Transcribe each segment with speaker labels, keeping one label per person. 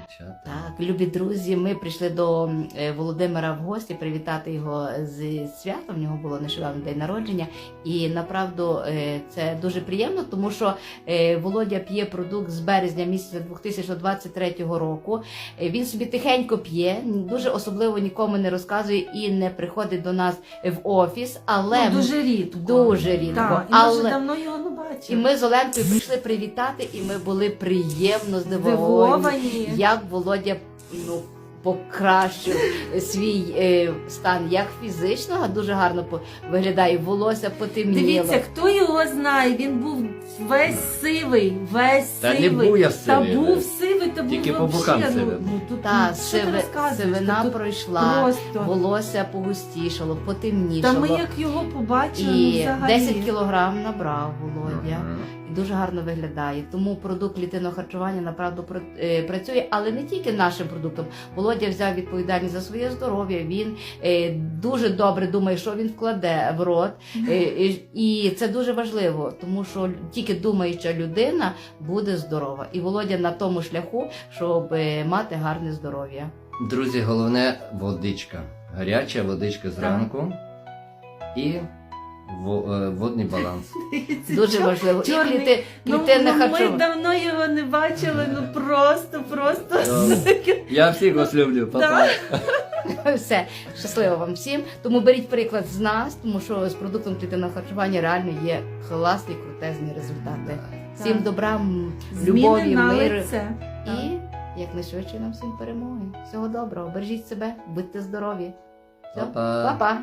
Speaker 1: дівчата.
Speaker 2: Так, любі друзі, ми прийшли до Володимира в гості привітати його з святом. В нього було нещодавно день народження. І направду це дуже приємно, тому що Володя п'є продукт з березня місяця 2023 року. Він собі тихенько п'є, дуже особливо нікому не розказує і не приходить до нас в офіс, але
Speaker 3: дуже рідко.
Speaker 2: Дуже рідко.
Speaker 3: Так, і ми вже давно його не бачили.
Speaker 2: І ми з Оленкою прийшли привітати, і ми були приємно здивовані, як Володя покращив свій стан як фізичного, дуже гарно виглядає, волосся потемніло.
Speaker 3: Дивіться, хто його знає, він був весь сивий,
Speaker 1: Та не був я сивий.
Speaker 3: Та був сивий, та був
Speaker 1: Тільки по бокам сивий.
Speaker 2: Та,
Speaker 3: що ти розказуєш?
Speaker 2: сивина
Speaker 3: Тут
Speaker 2: пройшла,
Speaker 3: просто.
Speaker 2: волосся погустішало, потемнішало.
Speaker 3: Та ми як його побачили,
Speaker 2: І
Speaker 3: взагалі.
Speaker 2: 10 кілограм набрав Володя. І дуже гарно виглядає. Тому продукт клітинного харчування направду працює, але не тільки нашим продуктом. Володя взяв відповідальність за своє здоров'я, він дуже добре думає, що він вкладе в рот. І це дуже важливо, тому що тільки думаюча людина буде здорова. І Володя на тому шляху, щоб мати гарне здоров'я.
Speaker 1: Друзі, головне водичка. Гаряча водичка зранку і водний баланс.
Speaker 2: Дуже важливо.
Speaker 3: Чорний.
Speaker 2: І клітинне
Speaker 3: Ми
Speaker 2: харчування.
Speaker 3: давно його не бачили, просто.
Speaker 1: Я всіх вас люблю, папа.
Speaker 2: Все, щасливо вам всім. Тому беріть приклад з нас, тому що з продуктом клітинного харчування реально є класні, крутезні результати. Всім
Speaker 3: Так.
Speaker 2: добра,
Speaker 3: Зміни
Speaker 2: любові,
Speaker 3: на
Speaker 2: миру
Speaker 3: лице.
Speaker 2: і якнайшвидше нам всім перемоги. Всього доброго, бережіть себе, будьте здорові. Все,
Speaker 1: Па-па.
Speaker 2: па-па.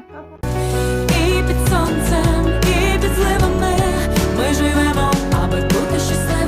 Speaker 4: І під сонцем, і під зливами ми живемо, аби бути щасливими.